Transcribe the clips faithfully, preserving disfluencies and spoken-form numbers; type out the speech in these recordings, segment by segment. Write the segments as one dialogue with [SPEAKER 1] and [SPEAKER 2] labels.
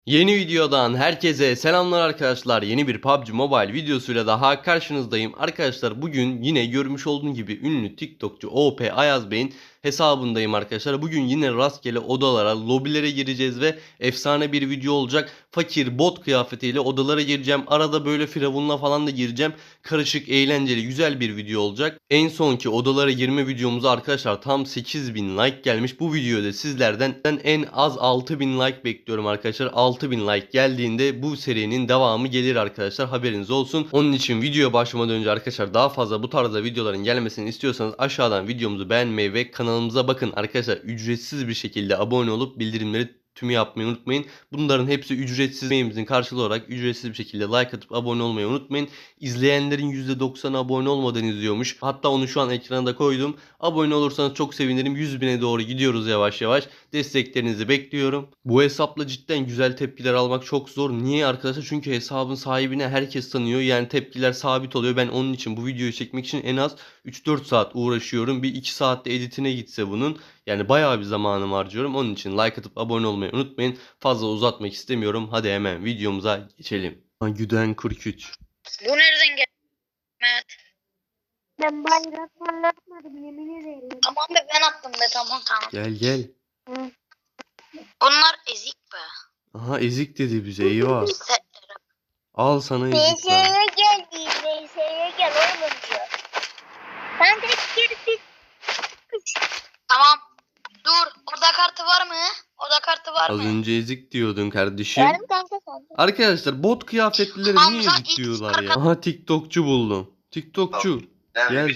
[SPEAKER 1] Yeni videodan herkese selamlar arkadaşlar. Yeni bir P U B G Mobile videosuyla daha karşınızdayım. Arkadaşlar bugün yine görmüş olduğunuz gibi ünlü TikTokçu O P Ayaz Bey'in hesabındayım arkadaşlar. Bugün yine rastgele odalara, lobilere gireceğiz ve efsane bir video olacak. Fakir bot kıyafetiyle odalara gireceğim. Arada böyle firavunla falan da gireceğim. Karışık, eğlenceli, güzel bir video olacak. En sonki odalara girme videomuza arkadaşlar tam sekiz bin like gelmiş. Bu videoda sizlerden en az altı bin like bekliyorum arkadaşlar. altı bin like geldiğinde bu serinin devamı gelir arkadaşlar. Haberiniz olsun. Onun için videoya başlamadan önce arkadaşlar daha fazla bu tarzda videoların gelmesini istiyorsanız aşağıdan videomuzu beğenmeyi ve kanalımıza bakın arkadaşlar. Ücretsiz bir şekilde abone olup bildirimleri tümü yapmayı unutmayın. Bunların hepsi ücretsiz, emeğimizin karşılığı olarak ücretsiz bir şekilde like atıp abone olmayı unutmayın. İzleyenlerin yüzde doksanı abone olmadan izliyormuş. Hatta onu şu an ekrana da koydum. Abone olursanız çok sevinirim. yüz bine doğru gidiyoruz yavaş yavaş. Desteklerinizi bekliyorum. Bu hesapla cidden güzel tepkiler almak çok zor. Niye arkadaşlar? Çünkü hesabın sahibine herkes tanıyor. Yani tepkiler sabit oluyor. Ben onun için bu videoyu çekmek için en az üç dört saat uğraşıyorum. Bir iki saatte editine gitse bunun. Yani bayağı bir zamanımı harcıyorum. Onun için like atıp abone olmayı unutmayın. Fazla uzatmak istemiyorum. Hadi hemen videomuza geçelim. Güden kırk üç.
[SPEAKER 2] Bu nereden geldi Mehmet?
[SPEAKER 3] Ben bayrak anlatmadım yemin ederim.
[SPEAKER 2] Tamam be, ben attım be, tamam tamam.
[SPEAKER 1] Gel gel.
[SPEAKER 3] Hı.
[SPEAKER 2] Bunlar ezik be.
[SPEAKER 1] Aha ezik dedi bize, eyvah.
[SPEAKER 2] Setleri.
[SPEAKER 1] Al sana ezik lan.
[SPEAKER 3] B S'ye gel diye B S'ye gel oğlum diyor. Ben de geri
[SPEAKER 2] Tamam. Dur. Oda kartı var mı? Oda kartı var
[SPEAKER 1] Az
[SPEAKER 2] mı?
[SPEAKER 1] önce ezik diyordun kardeşim.
[SPEAKER 3] Yarım kanka sen.
[SPEAKER 1] Arkadaşlar bot kıyafetlileri niye
[SPEAKER 2] Hamza
[SPEAKER 1] ezik
[SPEAKER 2] X
[SPEAKER 1] diyorlar ya?
[SPEAKER 2] arka-
[SPEAKER 1] Aha TikTokçu buldum. TikTokçu. Gel.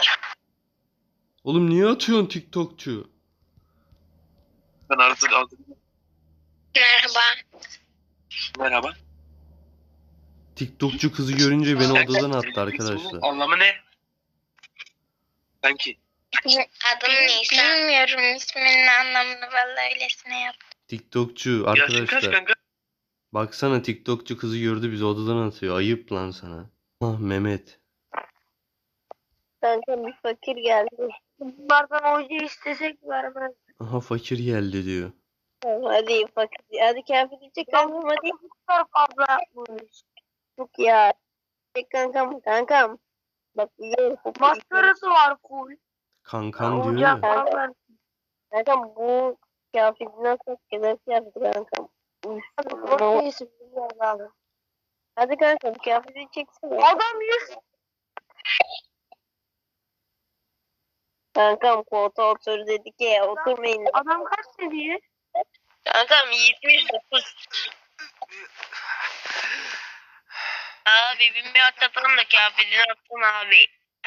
[SPEAKER 1] Oğlum niye atıyorsun TikTokçu?
[SPEAKER 4] Ben artık aldım.
[SPEAKER 2] Merhaba.
[SPEAKER 4] Merhaba.
[SPEAKER 1] TikTokçu kızı görünce beni odadan attı arkadaşlar.
[SPEAKER 4] Anlamı ne? Sanki.
[SPEAKER 2] Adın Nisa. Bilmiyorum isminin anlamını, vallahi öylesine yap.
[SPEAKER 1] TikTokçu
[SPEAKER 4] Yaşın kaç
[SPEAKER 1] arkadaşlar.
[SPEAKER 4] kanka?
[SPEAKER 1] Baksana TikTokçu kızı gördü bizi odadan atıyor. Ayıp lan sana. Ah Mehmet.
[SPEAKER 3] Kanka bir fakir geldi. Bunlardan hoca istesek vermez.
[SPEAKER 1] Aha fakir geldi diyor.
[SPEAKER 3] Hadi fakir. Hadi kıyafeti çek kankam hadi. Çok fazla yapmış. Çok ya. Çek kankam kankam. Bak iyi. Maskarası var full.
[SPEAKER 1] Kankam diyor ya.
[SPEAKER 3] Kankam. Kankam bu kıyafeti nasıl kadar kıyafeti kankam. Çok iyisin bilmiyorum abi. Hadi kankam kıyafeti çeksene. Adam yüz. Kankam koltuğa otur dedik ya oturmayın. Adam kaç seviye?
[SPEAKER 2] Kankam yetmiş dokuz. Abi bin bir atlatalım da kıyafetini attın abi.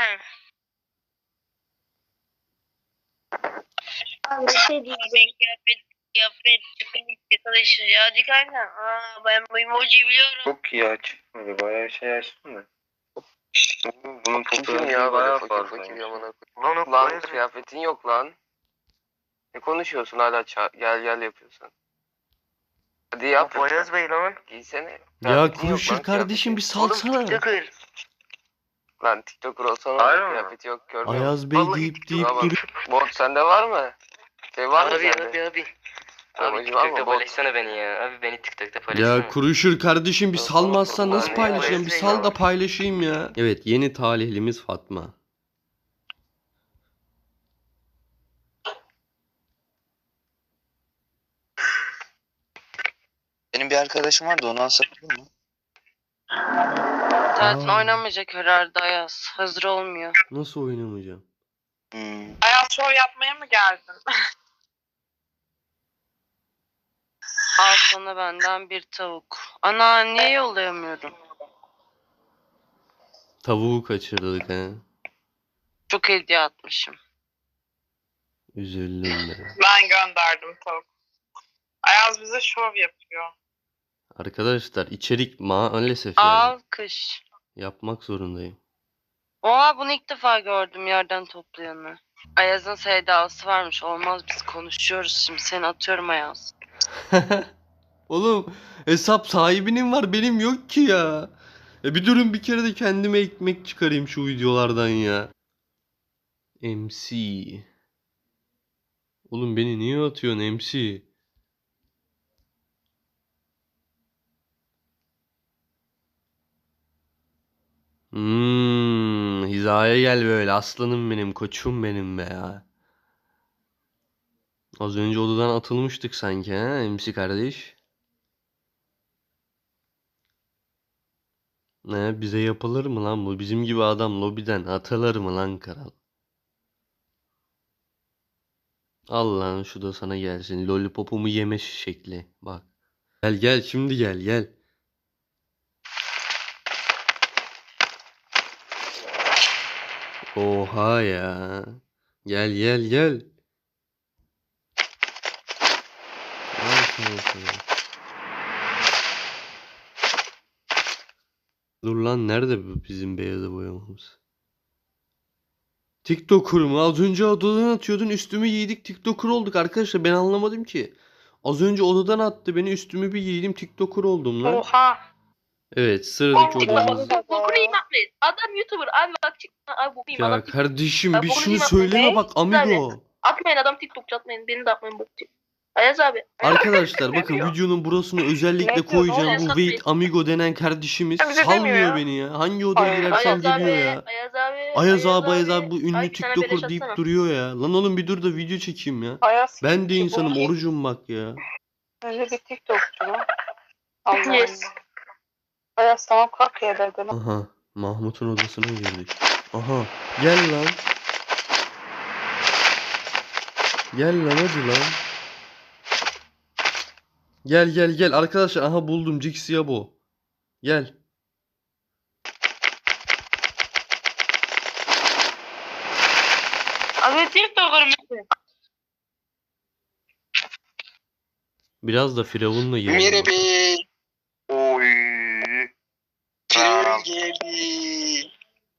[SPEAKER 3] Abi bir şey diyeyim.
[SPEAKER 2] Ben kıyafet kıyafet çıkınca çalışır ya. Hadi kanka. Aa, ben bu emojiyi biliyorum.
[SPEAKER 4] Çok iyi açmadı. Bayağı şey açtın da. Bunun
[SPEAKER 5] Kim ya böyle fakir fakir yamana koyayım. Lan kıyafetin yok lan. Ne konuşuyorsun hala ça- gel gel yapıyorsun. Hadi yap.
[SPEAKER 4] Ayaz Bey lan.
[SPEAKER 5] Giysene.
[SPEAKER 1] Ya
[SPEAKER 5] Kıyafetin yok
[SPEAKER 1] Kuruşur
[SPEAKER 5] lan,
[SPEAKER 1] kardeşim bir
[SPEAKER 5] kıyafetin.
[SPEAKER 1] salsana.
[SPEAKER 4] Tıkır.
[SPEAKER 5] Lan TikToker olsan
[SPEAKER 4] Hayır
[SPEAKER 5] olur
[SPEAKER 4] mı?
[SPEAKER 5] kıyafeti yok görmüyor musun?
[SPEAKER 1] Ayaz Bey
[SPEAKER 4] Vallahi
[SPEAKER 1] deyip deyip
[SPEAKER 5] Buna bak,
[SPEAKER 1] duruyor.
[SPEAKER 5] bot sende var mı? Şey var mı
[SPEAKER 6] Abi
[SPEAKER 5] sende?
[SPEAKER 6] abi abi.
[SPEAKER 5] Tamam,
[SPEAKER 6] Abi
[SPEAKER 5] acı var mı?
[SPEAKER 6] TikTok'ta
[SPEAKER 5] Bot.
[SPEAKER 6] paylaşsana beni ya. Abi beni TikTok'ta paylaşsana.
[SPEAKER 1] Ya Kuruşur kardeşim bir
[SPEAKER 5] Yok,
[SPEAKER 1] salmazsan
[SPEAKER 5] yok,
[SPEAKER 1] nasıl
[SPEAKER 5] yok.
[SPEAKER 1] paylaşacağım? Bir
[SPEAKER 5] Ayaz
[SPEAKER 1] sal
[SPEAKER 5] Bey
[SPEAKER 1] da
[SPEAKER 5] ya.
[SPEAKER 1] paylaşayım ya. Evet yeni talihlimiz Fatma.
[SPEAKER 7] Benim bir arkadaşım vardı onu alsak olur mu?
[SPEAKER 6] Zaten
[SPEAKER 1] Aa.
[SPEAKER 6] oynamayacak herhalde Ayaz. Hazır olmuyor.
[SPEAKER 1] Nasıl oynamayacağım?
[SPEAKER 7] Hmm.
[SPEAKER 8] Ayaz şov yapmaya mı geldin?
[SPEAKER 6] Al sana benden bir tavuk. Ana niye yollayamıyorum?
[SPEAKER 1] Tavuğu kaçırdık he.
[SPEAKER 6] Çok hediye atmışım.
[SPEAKER 1] Üzüldüm be.
[SPEAKER 8] Ben gönderdim tavuk. Ayaz bize şov yapıyor.
[SPEAKER 1] Arkadaşlar içerik maalesef yani.
[SPEAKER 6] Alkış.
[SPEAKER 1] Yapmak zorundayım.
[SPEAKER 6] Oha bunu ilk defa gördüm yerden toplayanı. Ayaz'ın sevdalısı varmış. Olmaz biz konuşuyoruz şimdi. Seni atıyorum Ayaz.
[SPEAKER 1] Oğlum hesap sahibinin var benim yok ki ya. Ya bir durun bir kere de kendime ekmek çıkarayım şu videolardan ya. M C. Oğlum beni niye atıyorsun M C? Hmm, hizaya gel böyle aslanım benim, koçum benim be ya. Az önce odadan atılmıştık sanki ha M C kardeş. Ne bize yapılır mı lan bu? Bizim gibi adam lobiden atılır mı lan kral? Al lan şu da sana gelsin. Lollipopumu yeme şekli. Bak. Gel gel şimdi gel gel. Oha ya. Gel gel gel. Al sana sana. Dur lan nerede bu bizim beyaza boyamamız? TikToker mu? Az önce odadan atıyordun üstümü giydik TikToker olduk arkadaşlar ben anlamadım ki. Az önce odadan attı beni üstümü bir giydim TikToker oldum lan.
[SPEAKER 8] Oha.
[SPEAKER 1] Evet sıradaki odamız.
[SPEAKER 2] Bokunu yiyeyim Ahmet. Adam YouTuber. Abi bak çıkma. Abi bokunu yiyeyim.
[SPEAKER 1] Ya
[SPEAKER 2] Adam TikTok.
[SPEAKER 1] kardeşim
[SPEAKER 2] Ben
[SPEAKER 1] bir
[SPEAKER 2] bunu
[SPEAKER 1] şunu
[SPEAKER 2] bilmem.
[SPEAKER 1] söyleme
[SPEAKER 2] Ne?
[SPEAKER 1] bak amigo.
[SPEAKER 2] Atmayın adam TikTokçu atmayın. Beni de atmayın bokçu. Ayaz abi.
[SPEAKER 1] Arkadaşlar bakın
[SPEAKER 8] diyor?
[SPEAKER 1] videonun burasını özellikle
[SPEAKER 8] Ne diyor?
[SPEAKER 1] koyacağım.
[SPEAKER 2] Ne
[SPEAKER 1] Bu
[SPEAKER 2] oluyor?
[SPEAKER 1] Wait Amigo denen kardeşimiz
[SPEAKER 8] Ya bize
[SPEAKER 1] salmıyor
[SPEAKER 8] demiyor ya.
[SPEAKER 1] beni ya. Hangi odaya
[SPEAKER 8] Ay-
[SPEAKER 1] girersem
[SPEAKER 2] Ayaz abi.
[SPEAKER 1] geliyor ya.
[SPEAKER 2] Ayaz abi.
[SPEAKER 1] Ayaz abi Ayaz abi bu ünlü
[SPEAKER 2] Ay, bir tane beleş
[SPEAKER 1] TikToker deyip
[SPEAKER 2] atsana.
[SPEAKER 1] duruyor ya. Lan oğlum bir dur da video çekeyim ya.
[SPEAKER 8] Ayaz.
[SPEAKER 1] Ben de
[SPEAKER 8] kim?
[SPEAKER 1] insanım
[SPEAKER 8] Bu kim?
[SPEAKER 1] orucum bak ya.
[SPEAKER 8] Önce bir TikTokçu mu? Allah
[SPEAKER 2] Yes.
[SPEAKER 8] Allah. Ayaz tamam kalk ya dedim.
[SPEAKER 1] Aha Mahmut'un odasına girdik. Aha gel lan. Gel lan hadi lan. Gel gel gel arkadaşlar aha buldum Jixiabo. Gel.
[SPEAKER 2] Abi TikToker mısın?
[SPEAKER 1] Biraz da Firavun'la girelim.
[SPEAKER 7] Merhaba.
[SPEAKER 4] Oy.
[SPEAKER 7] Firavun geldi.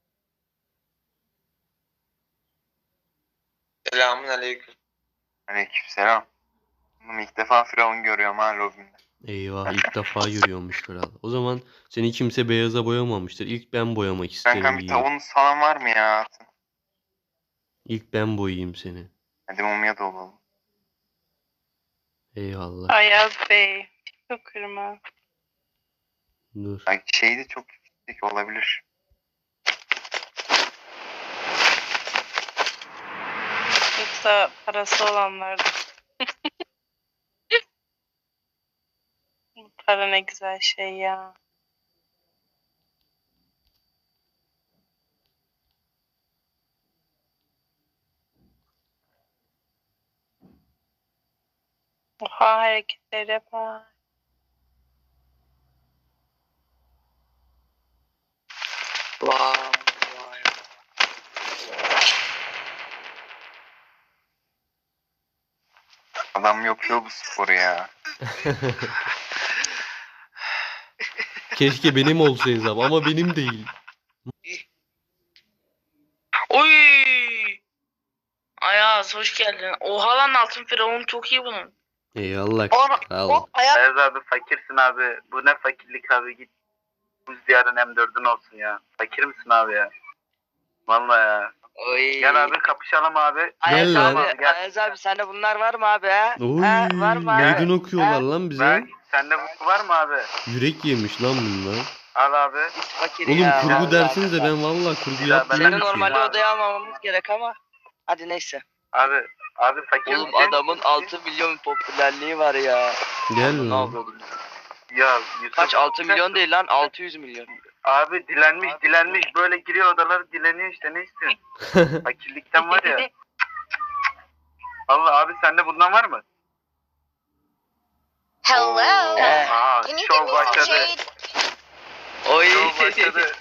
[SPEAKER 7] Selamun aleyküm.
[SPEAKER 4] Aleykümselam. Oğlum ilk defa Firavun görüyorum ha lobimde.
[SPEAKER 1] Eyvah ilk defa görüyormuş kral. O zaman seni kimse beyaza boyamamıştır. İlk ben boyamak isterim.
[SPEAKER 4] Kankam bir
[SPEAKER 1] diyeyim.
[SPEAKER 4] tavuğunuz falan var mı ya?
[SPEAKER 1] İlk ben boyayayım seni.
[SPEAKER 4] Hadi mumya da olalım.
[SPEAKER 1] Eyvallah.
[SPEAKER 8] Ayaz Bey. TikToker mı?
[SPEAKER 1] Dur.
[SPEAKER 4] Bak şey de çok yüksek olabilir.
[SPEAKER 8] Yoksa parası olanlar. Para ne güzel şey ya. Oha hareketlere bak.
[SPEAKER 7] Vay vay.
[SPEAKER 4] Adam yapıyor bu sporu ya.
[SPEAKER 1] Keşke benim olsa hesap ama benim değil.
[SPEAKER 2] Oy. Ayaz hoş geldin. Oha lan altın firavun çok iyi bunun.
[SPEAKER 1] Eyvallah
[SPEAKER 8] Ona-
[SPEAKER 1] kral.
[SPEAKER 8] O Ayaz
[SPEAKER 9] Ayaz abi fakirsin abi. Bu ne fakirlik abi git. Buz diyarın M dördün olsun ya. Fakir misin abi ya? Vallahi ya.
[SPEAKER 7] Oy.
[SPEAKER 9] Gel abi kapışalım abi.
[SPEAKER 1] Gel lan.
[SPEAKER 9] Tamam, gel.
[SPEAKER 7] Ayaz abi sende bunlar var mı abi ha?
[SPEAKER 1] Oy,
[SPEAKER 7] Ha, var mı abi?
[SPEAKER 1] meydan okuyorlar lan bize.
[SPEAKER 9] Ben, sende bu var mı abi?
[SPEAKER 1] Yürek yemiş lan bunlar.
[SPEAKER 9] Al abi.
[SPEAKER 7] Biz fakir
[SPEAKER 1] Oğlum
[SPEAKER 7] ya.
[SPEAKER 1] kurgu
[SPEAKER 7] vallahi
[SPEAKER 1] dersiniz de
[SPEAKER 7] billahi.
[SPEAKER 1] ben vallahi kurgu
[SPEAKER 9] Ya,
[SPEAKER 1] yapmıyorum
[SPEAKER 7] Seni
[SPEAKER 9] ben-
[SPEAKER 1] ki.
[SPEAKER 7] normalde
[SPEAKER 9] Abi.
[SPEAKER 7] odaya almamamız gerek ama. Hadi neyse.
[SPEAKER 9] Abi. Abi fakir
[SPEAKER 7] Oğlum
[SPEAKER 9] misin?
[SPEAKER 7] adamın altı milyon popülerliği var ya.
[SPEAKER 1] Gel
[SPEAKER 7] Ne
[SPEAKER 1] lan.
[SPEAKER 7] yapıyordun?
[SPEAKER 9] Ya Yusuf.
[SPEAKER 7] Kaç altı milyon değil lan altı yüz milyon.
[SPEAKER 9] Abi dilenmiş dilenmiş böyle giriyor odalara dileniyor işte ne istiyorsun? Fakirlikten var ya. Allah abi sende bundan var mı?
[SPEAKER 3] Hello.
[SPEAKER 9] Aa,
[SPEAKER 3] Can you give
[SPEAKER 9] şov
[SPEAKER 3] me some
[SPEAKER 9] başladı.
[SPEAKER 3] shade?
[SPEAKER 7] Oy.
[SPEAKER 9] Şov başladı.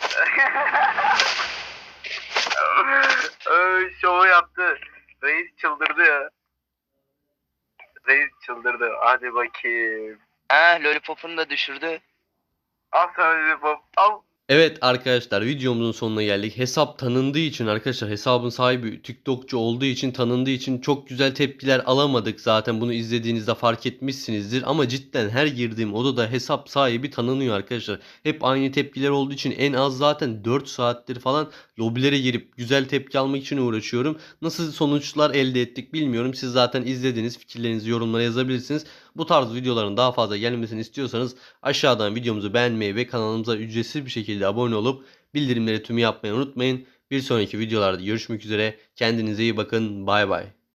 [SPEAKER 9] Ay, şovu yaptı. Reis çıldırdı ya. Reis çıldırdı. Hadi bakayım.
[SPEAKER 7] Ha lollipopunu da düşürdü.
[SPEAKER 9] Al sana bir pop. Al.
[SPEAKER 1] Evet arkadaşlar videomuzun sonuna geldik. Hesap tanındığı için arkadaşlar hesabın sahibi TikTokçu olduğu için tanındığı için çok güzel tepkiler alamadık. Zaten bunu izlediğinizde fark etmişsinizdir. Ama cidden her girdiğim odada hesap sahibi tanınıyor arkadaşlar. Hep aynı tepkiler olduğu için en az zaten dört saattir falan lobilere girip güzel tepki almak için uğraşıyorum. Nasıl sonuçlar elde ettik bilmiyorum. Siz zaten izlediniz. Fikirlerinizi yorumlara yazabilirsiniz. Bu tarz videoların daha fazla gelmesini istiyorsanız aşağıdan videomuzu beğenmeyi ve kanalımıza ücretsiz bir şekilde şekilde abone olup bildirimleri tümü yapmayı unutmayın. Bir sonraki videolarda görüşmek üzere. Kendinize iyi bakın. Bay bay.